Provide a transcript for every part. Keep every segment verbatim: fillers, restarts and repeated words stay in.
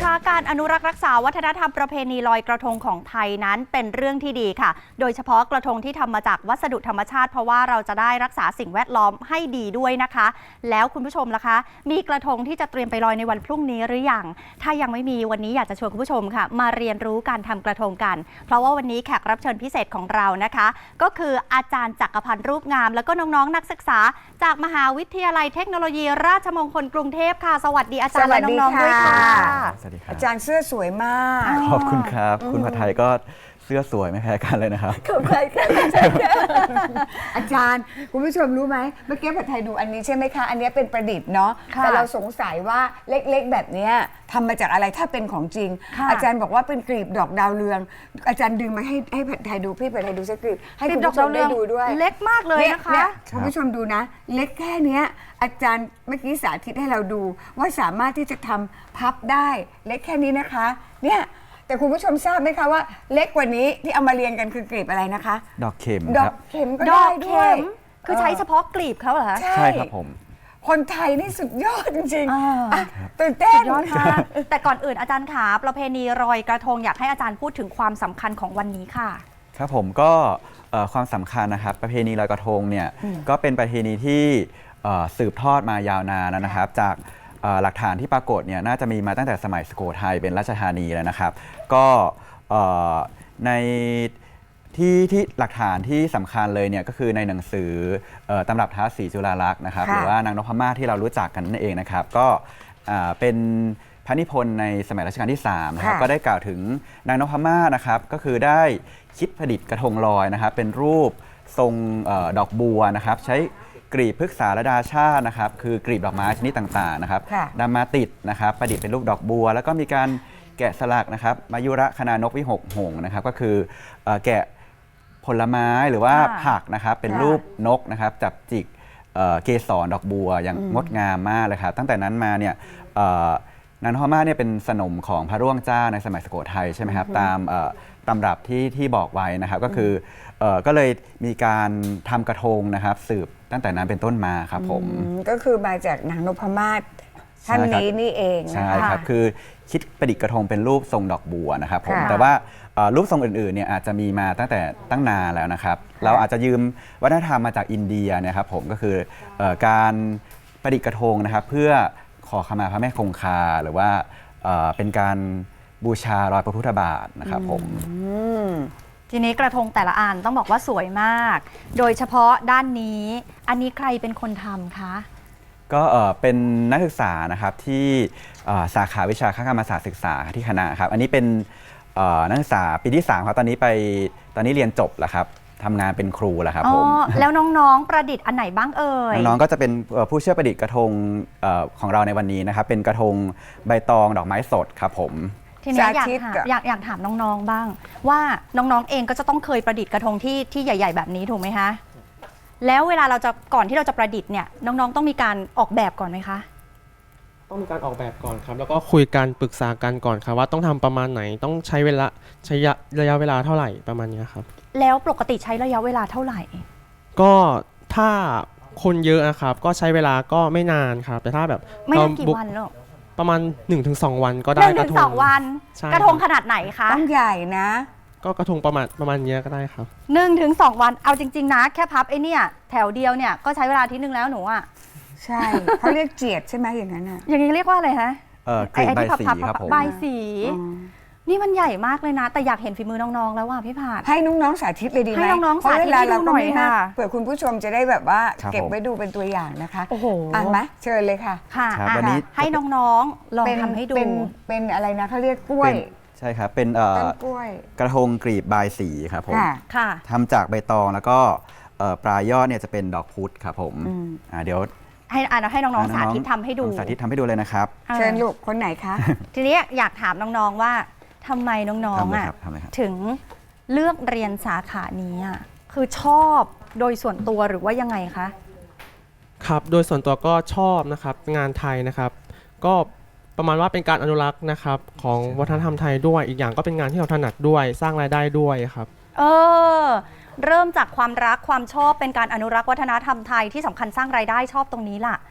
คะการอนุรักษ์รักษาวัฒนธรรมประเพณีลอยกระทงของไทยนั้นเป็นเรื่องที่ดีค่ะโดยเฉพาะกระทงที่ทำมาจากวัสดุธรรมชาติเพราะว่าเราจะได้รักษาสิ่งแวดล้อมให้ดีด้วยนะคะแล้วคุณผู้ชมล่ะคะมีกระทงที่จะเตรียมไปลอยในวันพรุ่งนี้หรือยังถ้ายังไม่มีวันนี้อยากจะชวนคุณผู้ชมค่ะมาเรียนรู้การทำกระทงกันเพราะว่าวันนี้แขกรับเชิญพิเศษของเรานะคะก็คืออาจารย์จักรพันธ์รูปงามแล้วก็น้องๆนักศึกษาจากมหาวิทยาลัยเทคโนโลยีราชมงคลกรุงเทพค่ะสวัสดีอาจารย์และน้องๆด้วยค่ะสวัสดีครับอาจารย์เสื้อสวยมากขอบคุณครับคุณผัดไทยก็เสื้อสวยไม่แพ้กันเลยนะครับขอบคุณค่ะอาจารย์คุณผู้ชมรู้ไหมเมื่อกี้ผัดไทยดูอันนี้ใช่ไหมคะอันนี้เป็นประดิษฐ์เนาะแต่เราสงสัยว่าเล็กๆแบบนี้ทำมาจากอะไรถ้าเป็นของจริงอาจารย์บอกว่าเป็นกลีบดอกดาวเรืองอาจารย์ดึงมาให้ให้ผัดไทยดูพี่ผัดไทยดูสักกลีบให้คุณผู้ชมได้ดูด้วยเล็กมากเลยนะคะคุณผู้ชมดูนะเล็กแค่นี้อาจารย์เมื่อกี้สาธิตให้เราดูว่าสามารถที่จะทำพับได้เล็กแค่นี้นะคะเนี่ยแต่คุณผู้ชมทราบไหมคะว่าเล็กกว่านี้ที่เอามาเรียงกันคือกลีบอะไรนะคะดอกเข็มดอกเข็มก็ได้ด้วยคือใช้เฉพาะกลีบเขาเหรอคะใช่ครับผมคนไทยนี่สุดยอดจริงๆตื่นเต้นยอดค่ะแต่ก่อนอื่นอาจารย์ขาประเพณีลอยกระทงอยากให้อาจารย์พูดถึงความสำคัญของวันนี้ค่ะครับผมก็ความสำคัญนะครับประเพณีลอยกระทงเนี่ยก็เป็นประเพณีที่สืบทอดมายาวนานนะครับจากหลักฐานที่ปรากฏเนี่ยน่าจะมีมาตั้งแต่สมัยสุโขทัยเป็นราชธานีแล้วนะครับก็ในที่ที่หลักฐานที่สำคัญเลยเนี่ยก็คือในหนังสือตำรับท้าวศรีจุฬาลักษณ์นะครับหรือว่านางนพมาศที่เรารู้จักกันนั่นเองนะครับก็เป็นพระนิพนธ์ในสมัยรัชกาลที่สามนะครับก็ได้กล่าวถึงนางนพมาศนะครับก็คือได้คิดประดิษฐ์กระทงลอยนะครับเป็นรูปทรงดอกบัวนะครับใช้กลีบพฤกษาระดาชาตินะครับคือกลีบดอกไม้ชนิดต่างๆนะครับนำมาติดนะครับประดิษฐ์เป็นรูปดอกบัวแล้วก็มีการแกะสลักนะครับมายุระคณานกวิหกหงส์นะครับก็คือแกะผลไม้หรือว่าผักนะครับเป็นรูปนกนะครับจับจิกเกสรดอกบัวอย่างงดงามมากเลยครับตั้งแต่นั้นมาเนี่ยนางนพมาศเนี่ยเป็นสนมของพระร่วงเจ้าในสมัยสุโขทัยใช่ไหมครับตามตำรับที่ที่บอกไว้นะครับก็คือก็เลยมีการทำกระทงนะครับสืบตั้งแต่นั้นเป็นต้นมาครับผมก็คือมาจากนางนพมาศท่านนี้นี่เองใช่ครับคือคิดประดิษฐ์กระทงเป็นรูปทรงดอกบัวนะครับผมแต่ว่ารูปทรงอื่นๆเนี่ยอาจจะมีมาตั้งแต่ตั้งนานแล้วนะครับเราอาจจะยืมวัฒนธรรมมาจากอินเดียนะครับผมก็คือการประดิษฐ์กระทงนะครับเพื่อขอขมาพระแม่คงคาหรือว่าเป็นการบูชารอยพระพุทธบาทนะครับผมทีนี้กระทงแต่ละอันต้องบอกว่าสวยมากโดยเฉพาะด้านนี้อันนี้ใครเป็นคนทำคะก็เป็นนักศึกษานะครับที่สาขาวิชาคกรรมศาสตร์ศึกษาที่คณะครับอันนี้เป็นนักศึกษาปีที่สามครับตอนนี้ไปตอนนี้เรียนจบแล้วครับทำงานเป็นครูแล้วครับผมแล้วน้องๆประดิษฐ์อันไหนบ้างเอ่ยน้องๆก็จะเป็นผู้ช่วยประดิษฐ์กระทงของเราในวันนี้นะครับเป็นกระทงใบตองดอกไม้สดครับผมทีนี้อยากถามอยากอยากถามน้องๆบ้างว่าน้องๆเองก็จะต้องเคยประดิษฐ์กระทงที่ที่ใหญ่ๆแบบนี้ถูกไหมคะแล้วเวลาเราจะก่อนที่เราจะประดิษฐ์เนี่ยน้องๆต้องมีการออกแบบก่อนไหมคะต้องมีการออกแบบก่อนครับแล้วก็คุยกันปรึกษากันก่อนครับว่าต้องทำประมาณไหนต้องใช้เวลาใช้ระยะเวลาเท่าไหร่ประมาณนี้ครับแล้วปกติใช้ระยะเวลาเท่าไหร่ก็ถ้าคนเยอะนะครับก็ใช้เวลาก็ไม่นานครับแต่ถ้าแบบไม่นานกี่วันหรอกประมาณ หนึ่งถึงสอง วันก็ได้กระทงสองวันกระทงขนาดไหนคะต้องใหญ่นะก็กระทงประมาณประมาณนี้ก็ได้ครับหนึ่งถึงสองวันเอาจริงๆนะแค่พับไอ้นี่แถวเดียวเนี่ยก็ใช้เวลาทีนึงแล้วหนูอ่ะใช่เขาเรียกเจียดใช่ไหมอย่างนั้นอ่ะอย่างนี้เรียกว่าอะไรฮะเออกลีบใบสีครับผมใบสีนี่มันใหญ่มากเลยนะแต่อยากเห็นฝีมือน้องๆแล้วว่าพี่ผาดให้น้องๆสาธิตเลยดีไหมให้น้องๆสาธิตให้ดูหน่อยค่ะเผื่อคุณผู้ชมจะได้แบบว่าเก็บไว้ดูเป็นตัวอย่างนะคะโอ้โหอ่านไหมเชิญเลยค่ะค่ะวันนี้ให้น้องๆลองทำให้ดูเป็นอะไรนะเขาเรียกกล้วยใช่ครับเป็นกระทงกลีบบายสีครับผมค่ะทำจากใบตองแล้วก็ปลายยอดเนี่ยจะเป็นดอกพุธครับผมเดี๋ยวให้อ่านให้น้องๆสาธิตทำให้ดูสาธิตทำให้ดูเลยนะครับเชิญลูกคนไหนคะทีนี้อยากถามน้องๆว่าทำไมน้องๆอ่ะถึงเลือกเรียนสาขานี้อ่ะคือชอบโดยส่วนตัวหรือว่ายังไงคะครับโดยส่วนตัวก็ชอบนะครับงานไทยนะครับก็ประมาณว่าเป็นการอนุรักษ์นะครับของวัฒนธรรมไทยด้วยอีกอย่างก็เป็นงานที่เราถนัดด้วยสร้างรายได้ด้วยครับเออเริ่มจากความรักความชอบเป็นการอนุรักษ์วัฒนธรรมไทยที่สำคัญสร้างรายได้ชอบตรงนี้ล่ะ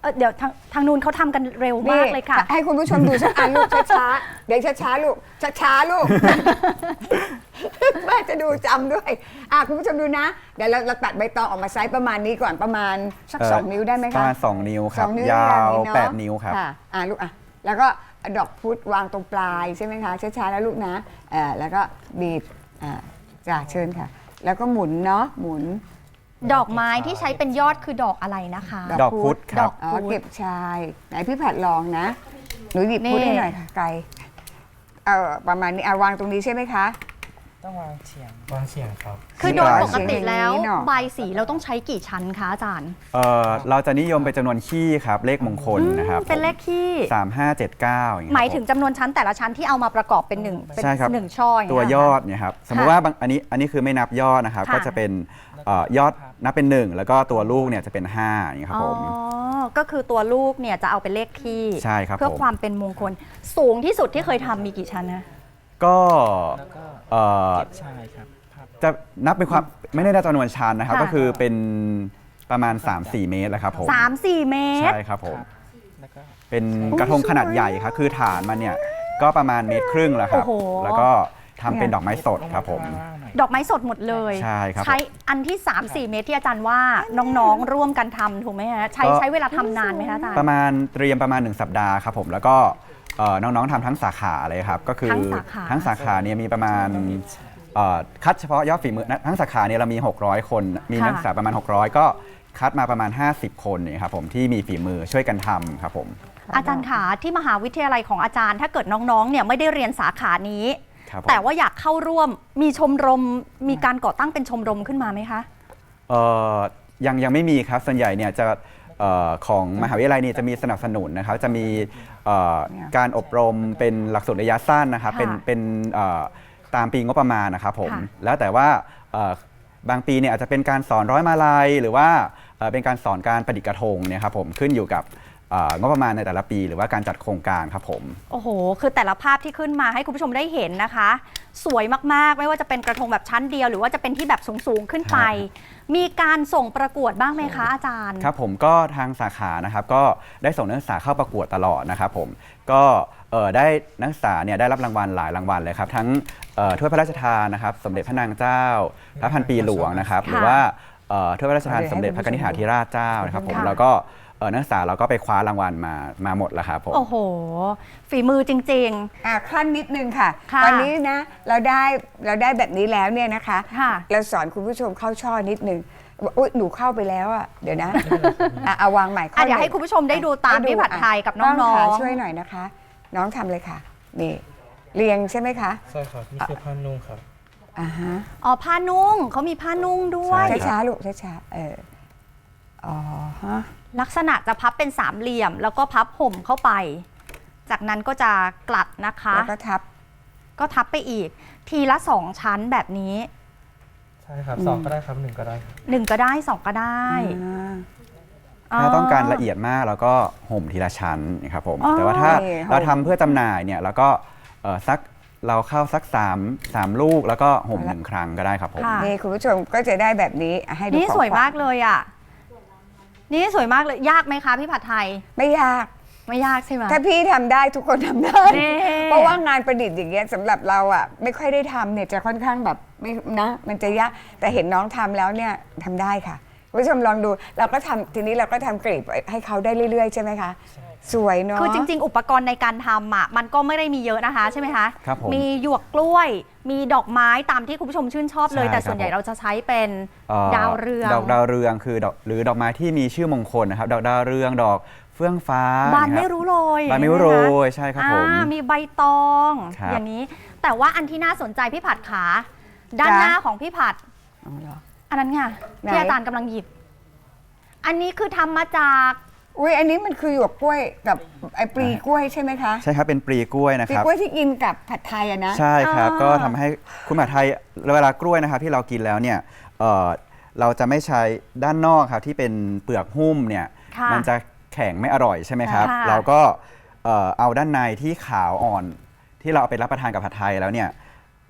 เอ่อเดี๋ยวทางทางนู้นเขาทำกันเร็วมากเลยค่ะให้คุณผู้ชมดูสักอันลูกช้าๆเดี๋ยวช้าๆลูกช้าๆลูก แม่จะดูจำด้วยอ่ะคุณผู้ชมดูนะเดี๋ยวเราเราตัดใบตองออกมาไซส์ประมาณนี้ก่อนประมาณสักเอ่อสองนิ้วได้ไหมประคะมาณสองนิ้วคสรัอบ งนิ้วยาวเอะแปดนิ้วครับค่ะอ่ะลูกอ่ะแล้วก็เอาดอกพุธวางตรงปลายใช่ไหมคะช้าๆแล้วลูกนะเอ่อแล้วก็บีบอ่าจ้าเชิญค่ะ แล้วก็หมุนเนาะหมุนดอกไม้ที่ใช้เป็นยอดคือดอกอะไรนะคะดอกพุธคดรัอบ กอ๋อพุธเก็บชายไหนพี่ผัดลองนะหนูหยิบนี่พุธให้หน่อยค่ะไกลเออประมาณนี้อ่ะวางตรงนี้ใช่ไหมคะต้องวางเฉียงวางเฉียงครับคือโดยปกติแล้วอย่างนี้เนอะใบสีเราต้องใช้กี่ชั้นคะอาจารย์เอ่อเราจะนิยมเป็นจำนวนขี้ครับเลขมงคลนะครับเป็นเลขขี้สามห้าเจ็ดเก้าอย่างเงี้หยมายครับถึงจำนวนชั้นแต่ละชั้นที่เอามาประกอบเป็นหนึ่งเป็นใช่ครับหนึ่งช่อางตัวเงี้ยอดค่ะเนี่ยครับสมมุติว่าบางอันนี้อันนี้คือไม่นับยอดนะครับค่ะก็จะเป็นเอ่อยอดนับเป็นหนึ่งแล้วก็ตัวลูกเนี่ยจะเป็นห้าอย่างเงี้ยครับผมอ๋อ ก็คือตัวลูกเนี่ยจะเอาเป็นเลขขี้ใช่ครับเพื่อผมความเป็นมงคล สูงที่สุดที่เคยทำมีกี่ชั้นนะก็แล้วก็เอ่อเก็บชายครับพับจะนับเป็นความไม่ได้นับจำนวนชั้นนะครับค่ะก็คือเป็นประมาณ สามสี่ เมตรแหละครับผมสามสี่เมตรใช่ครับผมแล้วก็เป็นกระทงขนาดใหญ่ครับคือฐานมันเนี่ยก็ประมาณเมตรครึ่งแล้วครับโอ้โหแล้วก็ทำเป็นดอกไม้สดครับผมข้างล่างหน่อยดอกไม้สดหมดเลยใช่ครับใช้อันที่ สามสี่ เมตรที่อาจารย์ว่าน้องๆ ร่วมกันทำถูกไหมฮะ ใช้ก็ใช้เวลาทำนานไหมคะอาจารย์ประมาณเตรียมประมาณหนึ่งสัปดาห์ครับผมแล้วก็เอ่อน้องๆทำทั้งสาขาเลยครับก็คือทั้งสาขาทั้งสาขาเนี่ยมีประมาณเอ่อคัดเฉพาะยอดฝีมือนะทั้งสาขาเนี่ยเรามี หกร้อย คนมีนักศึกษาประมาณ หกร้อย ก็คัดมาประมาณ ห้าสิบ คนเนี่ยครับผมที่มีฝีมือช่วยกันทำครับผมอาจารย์ขาที่มหาวิทยาลัยของอาจารย์ ถ้าเกิดน้องๆ เนี่ยไม่ได้เรียนสาขานี้ครับผมแต่ว่าอยากเข้าร่วมมีชมรมมีการก่อตั้งเป็นชมรมขึ้นมาไหมคะเอ่อยังยังไม่มีครับส่วนใหญ่เนี่ยจะเอ่อของมหาวิทยาลัยเนี่ยจะมีสนับสนุนนะครับจะมีเอ่อการอบรมเป็นหลักสูตรระยะสั้นนะครับค่ะเป็นเป็นเอ่อตามปีงบประมาณนะครับผมค่ะแล้วแต่ว่าเอ่อบางปีเนี่ยอาจจะเป็นการสอนร้อยมาลัยหรือว่าเอ่อเป็นการสอนการประดิษฐ์กระทงเนี่ยครับผมขึ้นอยู่กับเอ่องบประมาณในแต่ละปี หรือว่าการจัดโครงการครับผมโอ้โห คือแต่ละภาพที่ขึ้นมาให้คุณผู้ชมได้เห็นนะคะ สวยมากๆ ไม่ว่าจะเป็นกระทงแบบชั้นเดียว หรือว่าจะเป็นที่แบบสูงๆ ขึ้นไป มีการส่งประกวดบ้างไหมคะอาจารย์ครับผมก็ทางสาขานะครับก็ได้ส่งนักศึกษาเข้าประกวดตลอดนะครับผมก็เอ่อได้นักศึกษาเนี่ยได้รับรางวัลหลายรางวัลเลยครับทั้งเอ่อถ้วยพระราชทานนะครับสมเด็จพระนางเจ้าพระพันปีหลวงนะครับค่ะหรือว่าเอ่อถ้วยพระราชทานสมเด็จพระกนิษฐาธิราชเจ้านะครับผมค่ะแล้วก็เอ่อนักศึกษาเราก็ไปคว้ารางวัลมามาหมดแล้วครับผมโอ้โห ฝีมือจริงอ่ะขั้นนิดนึงค่ะค่ะวันนี้นะเราได้เราได้แบบนี้แล้วเนี่ยนะคะค่ะเราสอนคุณผู้ชมเข้าช่อนิดนึงอุ๊ยหนูเข้าไปแล้วอ่ะเดี๋ยวนะอ่ะเอาวางใหม่ๆอ่ะเดี๋ยวให้คุณผู้ชมได้ดูตามพี่ผัดไทยกับน้ต้อขาง ช่วยหน่อยนะคะ น้องทำเลยค่ะนี่เรียงใช่ไหมคะใช่ครับนี่คือผ้านุ่งครับอ่าฮะๆ อ๋อ ผ้านุ่งเขามีผ้านุ่งด้วยใช่ช้าๆลูกช้าๆเอออ๋อฮะลักษณะจะพับเป็นสามเหลี่ยม แล้วก็พับห่มเข้าไป จากนั้นก็จะกลัดนะคะแล้วก็ทับก็ทับไปอีก ทีละสองชั้นแบบนี้ใช่ครับสองก็ได้ครับหนึ่งก็ได้ครับหนึ่งก็ได้สองก็ได้อ่าถ้าต้องการละเอียดมากเราก็ห่มทีละชั้นนะครับผมอ๋อแต่ว่าถ้านี่ห่มเราทำเพื่อจำหน่ายเนี่ยเราก็เอ่อสักเราเข้าสักสามสามลูกแล้วก็ห่มหนึ่งครั้งก็ได้ครับผมค่ะนี่คุณผู้ชมก็จะได้แบบนี้อ่ะให้ดูนี่ของสวยขญมากเลยอ่ะ นี่สวยมากเลย ยากไหมคะพี่ผัดไทยไม่ยากไม่ยากใช่ไหมถ้าพี่ทำได้ทุกคนทำได้นี่เพราะว่างานประดิษฐ์อย่างเงี้ยสำหรับเราอ่ะไม่ค่อยได้ทำเนี่ยจะค่อนข้างแบบไม่นะ มันจะยากแต่เห็นน้องทำแล้วเนี่ยทำได้ค่ะคุณผู้ชมลองดูเราก็ทำทีนี้เราก็ทำกลีบให้เขาได้เรื่อยๆใช่ไหมคะสวยเนาะคือจริง ๆ อุปกรณ์ในการทำอ่ะมันก็ไม่ได้มีเยอะนะคะใช่ไหมคะครับผมมีหยวกกล้วย มีดอกไม้ตามที่คุณผู้ชมชื่นชอบเลยใช่แต่ครับส่วนใหญ่ผมเราจะใช้เป็นเอ่อดาวเรืองดอกดาวเรืองคือดอกหรือดอกไม้ที่มีชื่อมงคลนะครับ ดอกดาวเรืองดอกเฟื่องฟ้าบานนะคไม่บรู้โรยบานไม่รู้โรยใช่ครับผมอ่ามีใบตองครับอย่างนี้ แต่ว่าอันที่น่าสนใจพี่ผัดขาด้านจ๊ะหน้าของพี่ผัดอ๋อเหรออันนั้นไงไหนที่อาจารย์กำลังหยิบ อันนี้คือทำมาจากอุ้ยอันนี้มันคือหยวกกล้วยกับไอ้ปลีกล้วยใช่ไหมคะใช่ครับเป็นปลีกล้วยนะปลีครับกล้วยที่กินกับผัดไทยอะนะใช่ครับอ่าก็ทำให้คุณหมหาไทยเวลากล้วยนะครับที่เรากินแล้วเนี่ยเอ่อเราจะไม่ใช้ด้านนอกครับที่เป็นเปลือกหุ้มเนี่ยค่ะมันจะแข็งไม่อร่อยใช่ไหมครับค่ะเราก็เอ่อเอาด้านในที่ขาวอ่อนที่เราเอาไปรับประทานกับผัดไทยแล้วเนี่ย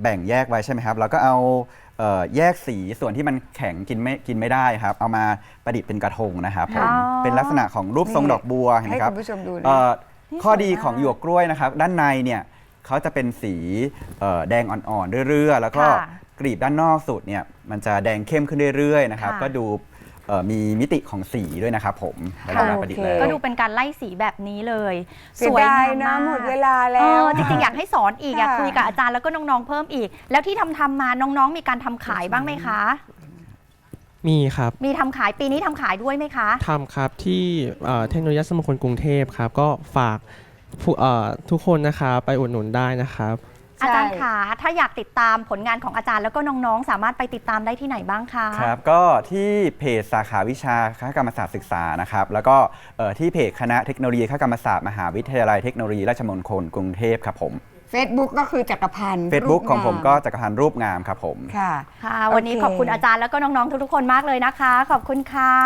แบ่งแยกไว้ใช่ไหมครับเราก็เอาเอ่อแยกสีส่วนที่มันแข็งกินไม่กินไม่ได้ครับเอามาประดิษฐ์เป็นกระทงนะครับผมอ๋อเป็นลักษณะของรูปทรงดอกบัวเห็นไหให้มครับคุณผู้ชมดูนะเอ่อนี่ข้อดีสวยมากของหยวกกล้วยนะครับ ด้านในเนี่ยเขาจะเป็นสีเอ่อแดงอ่อนๆเรื่อยๆแล้วก็ค่ะกลีบด้านนอกสุดเนี่ยมันจะแดงเข้มขึ้นเรื่อยๆนะครับค่ะก็ดูเอ่อมีมิติของสีด้วยนะครับผมเวลาเราประดิษฐ์แล้วก็ดูเป็นการไล่สีแบบนี้เลยเสียดายนะมากหมดเวลาเอแล้วอจริงๆอยากให้สอนอีกอยากค่ะคุยกับอาจารย์แล้วก็น้องๆเพิ่มอีก แล้วที่ทำทำมาน้องๆ มีการทำขายบ้างไหมคะมีครับมีทำขายปีนี้ทำขายด้วยไหมคะทำครับที่เอ่อเทคโนโลยีสมงคลกรุงเทพครับก็ฝากผู้เอ่อทุกคนนะครับไปอุดหนุนได้นะครับอาจารย์ขาถ้าอยากติดตามผลงานของอาจารย์แล้วก็น้องๆ สามารถไปติดตามได้ที่ไหนบ้างคะครับก็ที่เพจสาขาวิชาคณะกรรมศาสตร์ศึกษานะครับแล้วก็เอ่อที่เพจคณะเทคโนโลยีคณะกรรมศาสตร์มหาวิทยาลัยเทคโนโลยีราชมงคลกรุงเทพครับผม Facebook ก็คือจักรพันธ์ Facebook รูปของผมงาก็จักรพันธ์รูปงามครับผมค่ะค่ะ วันนี้โอเคขอบคุณอาจารย์แล้วก็น้องๆ ทุกๆ คนมากเลยนะคะ ขอบคุณค่ะ